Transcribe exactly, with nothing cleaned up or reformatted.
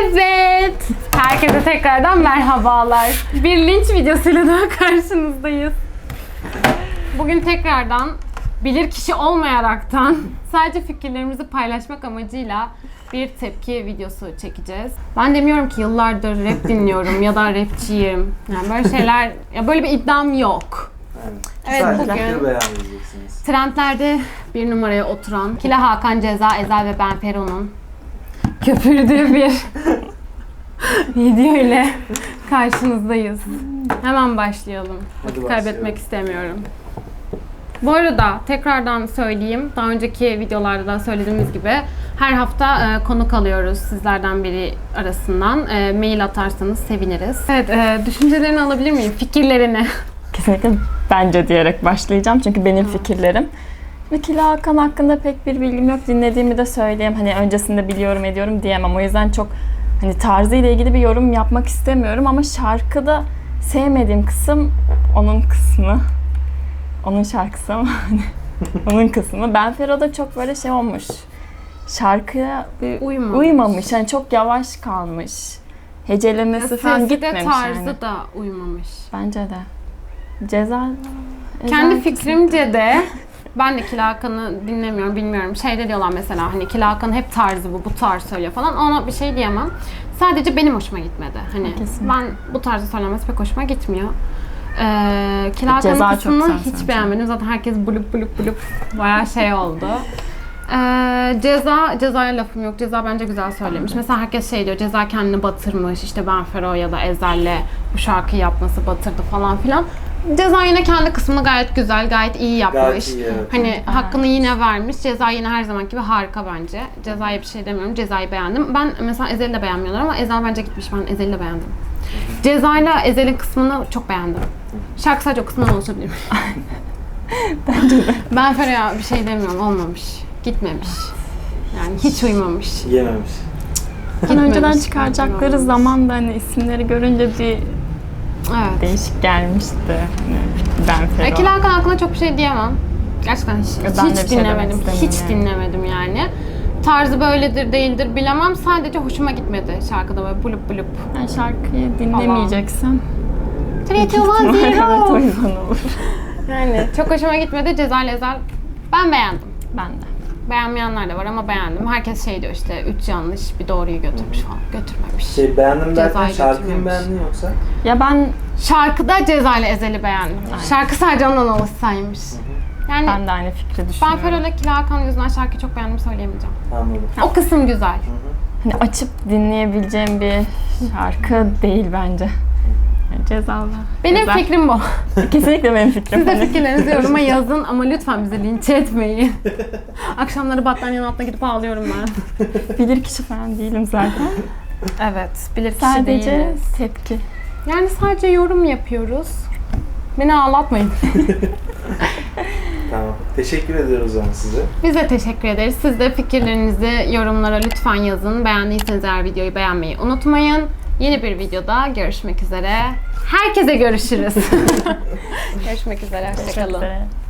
Evet. Herkese tekrardan merhabalar. Bir linç videosuyla daha karşınızdayız. Bugün tekrardan bilirkişi olmayaraktan sadece fikirlerimizi paylaşmak amacıyla bir tepki videosu çekeceğiz. Ben demiyorum ki yıllardır rap dinliyorum ya da rapçiyim. Yani böyle şeyler, ya böyle bir iddiam yok. Evet, Evet, bugün bugün trendlerde bir numaraya oturan Kila Hakan, Ceza, Ezel ve Ben Fero'nun köpürdüğü bir video ile karşınızdayız. Hemen başlayalım. Vakit kaybetmek istemiyorum. Bu arada tekrardan söyleyeyim, daha önceki videolarda da söylediğimiz gibi her hafta e, konuk alıyoruz sizlerden biri arasından. E, mail atarsanız seviniriz. Evet, e, düşüncelerini alabilir miyim? Fikirlerini. Kesinlikle bence diyerek başlayacağım çünkü benim hmm. fikirlerim. Ve Kila Hakan hakkında pek bir bilgim yok. Dinlediğimi de söyleyeyim. Hani öncesinde biliyorum ediyorum diyemem. O yüzden çok hani tarzıyla ilgili bir yorum yapmak istemiyorum ama şarkıda sevmediğim kısım onun kısmı. Onun şarkısı ama onun kısmı. Ben Fero'da çok böyle şey olmuş. Şarkıya bir uymamış. uymamış. Yani çok yavaş kalmış. Hecelemesi falan gitmemiş tarzı yani. da uymamış. Bence de. Ceza... Kendi fikrimce de ben de Kila Hakan'ı dinlemiyorum, bilmiyorum. Şeyde diyorlar mesela hani Kila Hakan'ın hep tarzı bu, bu tarz söylüyor falan. Ona bir şey diyemem. Sadece benim hoşuma gitmedi. Hani kesinlikle. Ben bu tarzı söylemesi pek hoşuma gitmiyor. Ee, Kila Hakan'ın kısmını hiç sanki. beğenmedim. Zaten herkes bulup bulup bulup bayağı şey oldu. Ee, ceza, Ceza'ya lafım yok. Ceza bence güzel söylemiş. Mesela herkes şey diyor, Ceza kendini batırmış. İşte Ben Fero ya da Ezel'le bu şarkıyı yapması batırdı falan filan. Ceza yine kendi kısmını gayet güzel, gayet iyi yapmış. Gayet iyi, evet. Hani evet. hakkını yine vermiş. Ceza yine her zamanki gibi harika bence. Ceza'ya bir şey demiyorum. Ceza'yı beğendim. Ben mesela Ezel'i de beğenmiyorlar ama Ezel bence gitmiş. Ben Ezel'i de beğendim. Ceza'yla Ezel'in kısmını çok beğendim. Şarkı sadece o kısmından oluşabilir. Bence de. Ben Ferah'a bir şey demiyorum. Olmamış. Gitmemiş. Yani hiç uymamış. Yememiş. Hani önceden çıkaracakları zaman da hani isimleri görünce bir evet. değişik gelmişti. Hani Ben Fero. Kila Hakan hakkında çok bir şey diyemem. Gerçekten hiç, hiç şey dinlemedim. Hiç yani. dinlemedim yani. Tarzı böyledir değildir bilemem. Sadece hoşuma gitmedi şarkıda böyle bulup bulup. Yani şarkıyı dinlemeyeceksem Three, two, one, zero. Evet, o yüzden olur. Yani çok hoşuma gitmedi. Ceza Ezel ben beğendim. Ben de. Beğenmeyenler de var ama beğendim. Herkes şey diyor işte üç yanlış bir doğruyu götürmüş falan. Götürmemiş. Şey beğendim derken şarkıyı mı beğendin yoksa? Ya ben şarkıda Ceza ile Ezel'i beğendim. Aynen. Şarkı sadece ondan oluşsaymış. Yani ben de aynı fikri düşünüyorum. Ben Fero'la Kila Hakan yüzünden şarkıyı çok beğendim söyleyemeyeceğim. Anladım. O kısım güzel. Hani açıp dinleyebileceğim bir şarkı değil bence. Yani Cezalı. Benim Ceza. fikrim bu. Kesinlikle benim fikrim. Siz de fikirlerinizi yoruma yazın ama lütfen bizi linç etmeyin. Akşamları battaniyenin altına gidip ağlıyorum ben. Bilirkişi falan değilim zaten. Evet, bilirkişi sadece değiliz. tepki. Yani sadece yorum yapıyoruz. Beni ağlatmayın. Tamam. Teşekkür ediyoruz o zaman size. Biz de teşekkür ederiz. Siz de fikirlerinizi yorumlara lütfen yazın. Beğendiyseniz eğer videoyu beğenmeyi unutmayın. Yeni bir videoda görüşmek üzere. Herkese görüşürüz. Görüşmek üzere. Hoşçakalın.